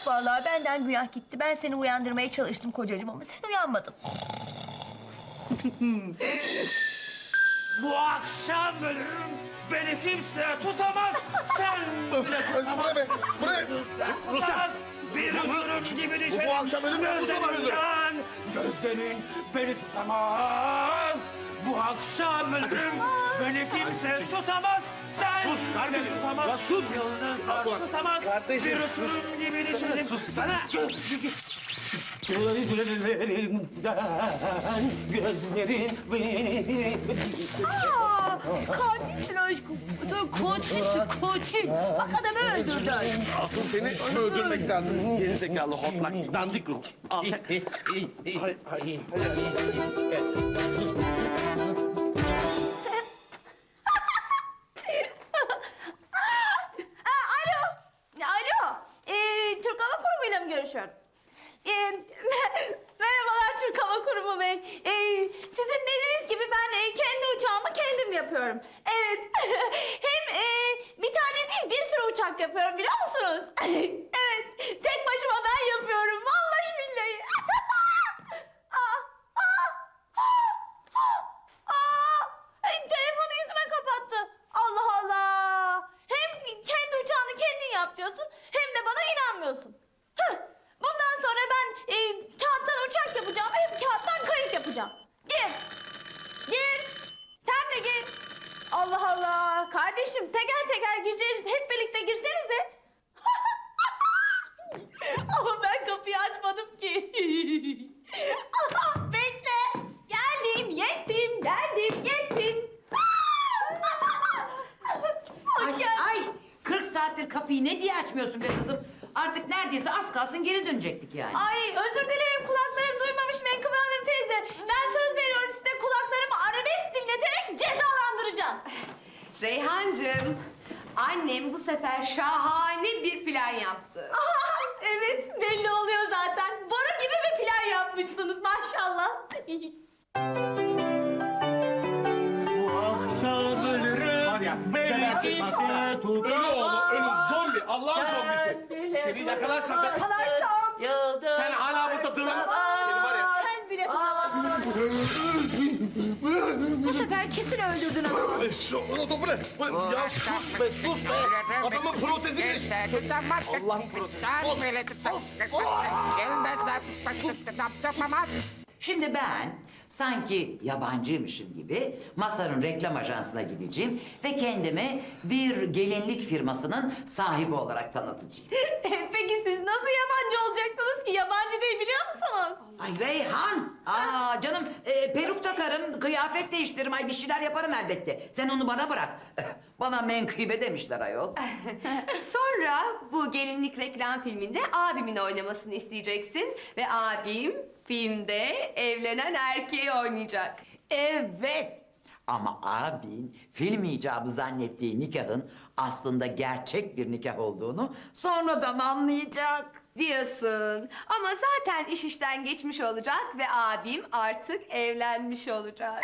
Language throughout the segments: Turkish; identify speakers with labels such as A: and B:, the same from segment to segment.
A: Vallahi benden günah gitti. Ben seni uyandırmaya çalıştım kocacığım ama sen uyanmadın.
B: Bu akşam ölürüm. Beni kimse tutamaz. Sen bile tutamaz.
C: Buraya.
B: Tutamaz. Bir uçurum gibi düşerim.
C: Bu akşam ölüm ben Mustafa ölürüm.
B: Gözlerinden. Gözlerin beni tutamaz. Bu akşam ölürüm. Beni kimse tutamaz. Sen
C: Sus
B: bile
C: kardeşim.
B: tutamaz.
C: Lan sus.
B: Yıldızlar
C: Abla.
B: tutamaz.
C: Kardeşim,
B: Bir
C: sus.
B: uçurum gibi düşerim.
C: Sussana.
B: Gözlerin beni...
A: Aa, katilsin aşkım. Katilsin, katil. Bak adamı öldürdün.
C: Asıl seni öldürmek lazım. Gerizekalı hortlak, dandik ruh. Alçak.
A: Alo. Türk Hava Kurumu'yla mı görüşüyorum? Merhabalar Türk Hava Kurumu Bey. Sizin dediğiniz gibi ben kendi uçağımı kendim yapıyorum. Evet. Hem bir tane değil bir sürü uçak yapıyorum biliyor musunuz? Evet. Tek başıma ben yapıyorum. Vallahi billahi. Telefonu yüzüme kapattı. Allah Allah. Hem kendi uçağını kendin yap diyorsun hem de bana inanmıyorsun. Hıh. Bundan sonra ben kağıttan uçak yapacağım hem kağıttan kayık yapacağım. Gir. Gir. Sen de gir. Allah Allah. Kardeşim teker teker gireceğiz. Hep birlikte girsenize. Ama ben kapıyı açmadım ki. Bekle. Geldim, yettim, geldim, yettim. Hoş
D: Ay,
A: geldin.
D: ay 40 saattir kapıyı ne diye açmıyorsun be kızım? Artık neredeyse az kalsın geri dönecektik yani.
A: Ay özür dilerim kulaklarım duymamış Menkıbe Hanım teyze. Ben söz veriyorum size kulaklarımı arabesk dinleterek cezalandıracağım.
E: Reyhancığım, annem bu sefer şahane bir plan yaptı.
A: Evet belli oluyor zaten. Boru gibi bir plan yapmışsınız maşallah.
B: Bu akşam ölürüm.
C: Var ya,
B: Beni
C: gebertin
B: kimse
C: bak.
B: tutamaz.
C: Ölü oğlu, ölü zombi. Allah'ın zombisi. Seni yakalarsam ben...
A: Yakalarsam.
C: Sen hala burada dırlan. Seni var ya...
A: Sen bile tutamazsın. Bu sefer kesin öldürdün adamı.
C: Bu ne? Ya sus be, sus be. Adamın protezi bile... Allah'ın protezi.
D: Şimdi ben sanki yabancıymışım gibi Masar'ın reklam ajansına gideceğim ve kendimi bir gelinlik firmasının sahibi olarak tanıtacağım.
A: Peki siz nasıl yabancı olacaksınız ki? Yabancı değil biliyor musunuz?
D: Ay Reyhan! Aa canım peruk takarım, kıyafet değiştiririm, ay bir şeyler yaparım elbette. Sen onu bana bırak. Bana menkıbe demişler ayol.
E: Sonra bu gelinlik reklam filminde abimin oynamasını isteyeceksin. Ve abim filmde evlenen erkeği oynayacak.
D: Evet. Ama abin film icabı zannettiği nikahın aslında gerçek bir nikah olduğunu sonradan anlayacak.
E: Diyorsun. Ama zaten iş işten geçmiş olacak ve abim artık evlenmiş olacak.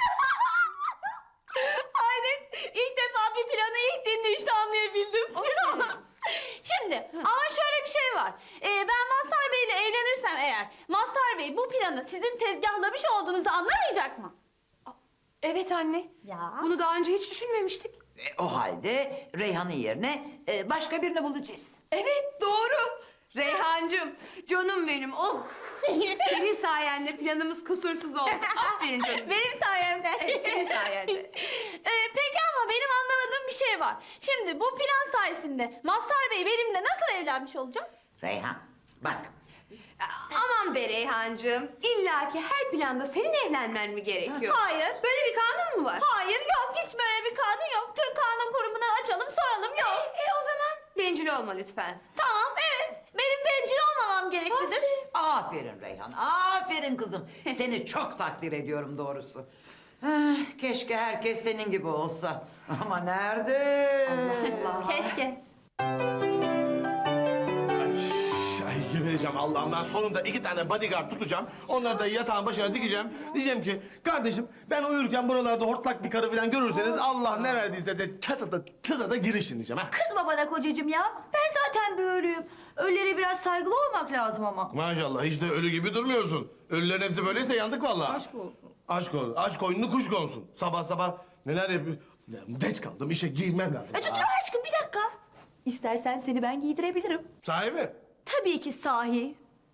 A: Aynen. İlk defa bir planı ilk dinleyişte anlayabildim. Şimdi ama şöyle bir şey var. Ben Mazhar Bey'le evlenirsem eğer Mazhar Bey bu planı sizin tezgahlamış olduğunuzu anlamayacak mı?
E: Evet anne.
A: Ya.
E: Bunu daha önce hiç düşünmemiştik.
D: O halde Reyhan'ın yerine başka birini bulacağız.
E: Evet doğru. Reyhancığım, canım benim. Oh. Senin sayende planımız kusursuz oldu. Aferin canım.
A: Benim sayemde.
E: Evet, senin sayende.
A: Peki ama benim anlamadığım bir şey var. Şimdi bu plan sayesinde Mazhar Bey benimle nasıl evlenmiş olacak?
D: Reyhan bak
E: Aman be Reyhancığım. İlla ki her planda senin evlenmen mi gerekiyor?
A: Hayır.
E: Böyle bir kanun mu var?
A: Hayır yok hiç böyle bir kanun yok. Türk Kanun Kurumu'na açalım soralım yok.
E: O zaman bencil olma lütfen.
A: Tamam evet. Benim bencil olmamam gereklidir.
D: aferin Reyhan, aferin kızım. Seni çok takdir ediyorum doğrusu. Keşke herkes senin gibi olsa. Ama nerede?
A: Keşke.
C: Ay gebereceğim Allah'ım. Ben sonunda 2 tane bodyguard tutacağım. Onları da yatağın başına dikeceğim. Diyeceğim ki kardeşim ben uyurken buralarda hortlak bir karı falan görürseniz Allah ne verdiyse de çatıda girişin diyeceğim. Ha?
A: Kızma bana kocacığım ya. Ben zaten böyleyim. Ölülere biraz saygılı olmak lazım ama.
C: Maşallah hiç de ölü gibi durmuyorsun. Ölülerin hepsi böyleyse yandık vallahi.
A: Aşk olsun.
C: Aşk ol. Aç koynunu kuş konsun. Sabah sabah neler yapıyor. Geç kaldım işe giyinmem lazım.
A: Dur aşkım bir dakika. İstersen seni ben giydirebilirim.
C: Sahi mi?
A: Tabii ki sahi.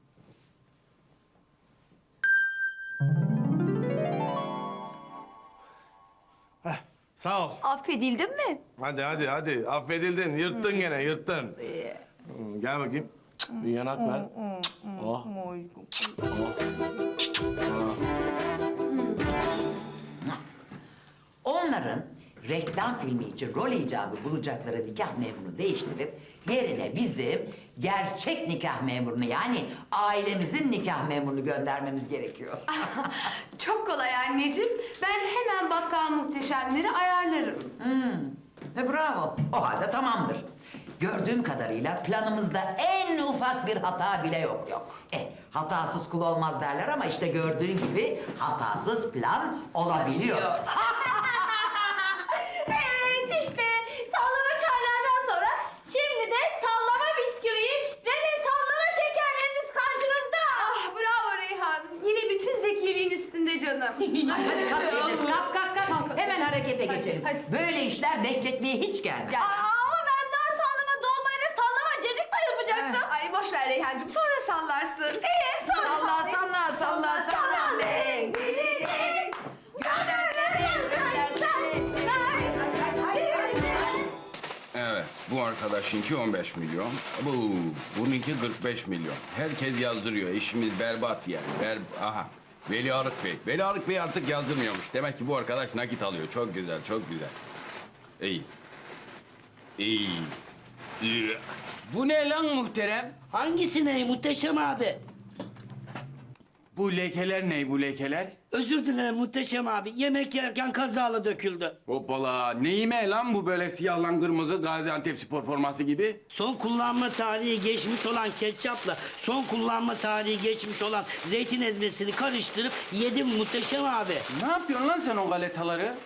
C: Sağ ol.
A: Affedildin mi?
C: Hadi. Affedildin. Yırttın gene, yırttın. Gel bakayım. Bir yanak ver. Oh.
D: Onların reklam filmi için rol icabı bulacakları nikah memurunu değiştirip yerine bizim gerçek nikah memurunu yani ailemizin nikah memurunu göndermemiz gerekiyor.
E: Çok kolay anneciğim. Ben hemen bakkal muhteşemleri ayarlarım.
D: Bravo. O halde tamamdır. Gördüğüm kadarıyla planımızda en ufak bir hata bile yok. Hatasız kul olmaz derler ama işte gördüğün gibi hatasız plan olabiliyor.
A: Evet işte sallama çaylardan sonra şimdi de sallama bisküviyi ve de sallama şekerleriniz karşınızda.
E: Ah bravo Reyhan. Yine bütün zekiliğin üstünde canım.
D: Hadi kalk Enes, kalk. Hemen harekete geçelim.
E: hadi.
D: Böyle işler bekletmeye hiç gelmez.
E: Gel.
A: Ama ben daha sallama dolmayla sallama cacık da yapacaktım.
E: Ay boş ver Reyhancığım. Sonra sallarsın.
D: Salla.
F: Evet, bu arkadaşınki 15 milyon. Bununki 45 milyon. Herkes yazdırıyor. İşimiz berbat yani. Aha. Veli Arık Bey. Veli Arık Bey artık yazdırmıyormuş. Demek ki bu arkadaş nakit alıyor. Çok güzel. İyi. Bu ne lan muhterem?
B: Hangisi ne muhteşem abi?
F: Bu lekeler ne bu lekeler?
B: Özür dilerim muhteşem abi. Yemek yerken kazala döküldü.
F: Hoppala. Neyime lan bu böyle siyahlan kırmızı Gaziantep spor forması gibi?
B: Son kullanma tarihi geçmiş olan ketçapla son kullanma tarihi geçmiş olan zeytin ezmesini karıştırıp yedim muhteşem abi.
F: Ne yapıyorsun lan sen o galetaları?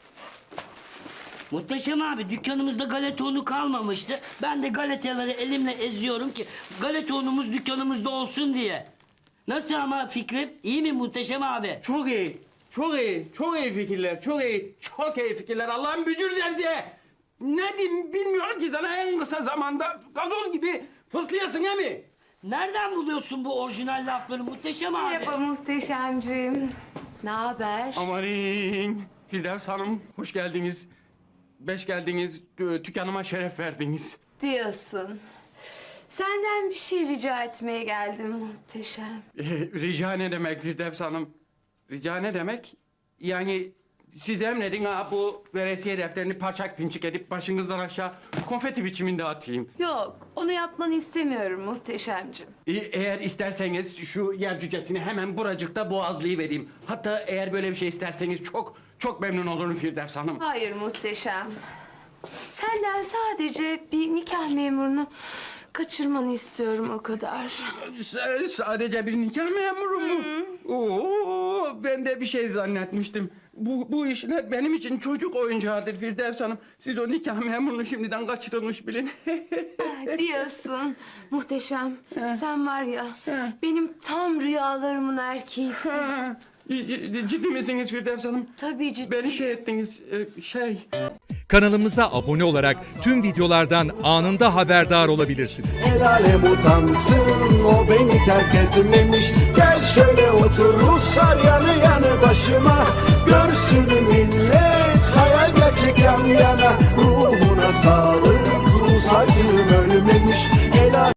B: Muhteşem abi dükkanımızda galeta unu kalmamıştı. Ben de galetaları elimle eziyorum ki galeta unumuz dükkanımızda olsun diye. Nasıl ama fikrim? İyi mi muhteşem abi?
F: Çok iyi. Çok iyi fikirler. Çok iyi fikirler. Allah'ın bücür zevci. Ne diyeyim bilmiyorum ki sana en kısa zamanda gazoz gibi fıslayasın he mi?
B: Nereden buluyorsun bu orijinal lafları muhteşem abi?
E: Merhaba muhteşemciğim. Ne haber?
F: Amanin. Firdevs Hanım hoş geldiniz. Beş geldiniz. Dükkanıma şeref verdiniz.
E: Diyorsun. Senden bir şey rica etmeye geldim muhteşem.
F: Rica ne demek Firdevs Hanım? Rica ne demek? Yani siz emredin ha bu veresiye defterini parçak pinçik edip başınızdan aşağı konfeti biçiminde atayım.
E: Yok, onu yapmanı istemiyorum muhteşemciğim.
F: Eğer isterseniz şu yer cücesini hemen buracıkta boğazlayıvereyim. Hatta eğer böyle bir şey isterseniz çok memnun olurum Firdevs Hanım.
E: Hayır muhteşem. Senden sadece bir nikah memurunu kaçırmanı istiyorum o kadar.
F: Sadece bir nikah memuru mu? Oo, ben de bir şey zannetmiştim. Bu işler benim için çocuk oyuncağıdır Firdevs Hanım. Siz o nikah memurunu şimdiden kaçırılmış bilin.
E: Diyorsun. Muhteşem. Sen var ya, benim tam rüyalarımın erkeğisin.
F: Ciddi misiniz Firdevs Hanım?
E: Tabii ciddi.
F: Beni şey ettiniz,
G: Kanalımıza abone olarak tüm videolardan anında haberdar olabilirsiniz.
H: El alem utansın, o beni terk etmemiş. Gel şöyle otur Ruslar yanı yanı başıma. Görsün millet.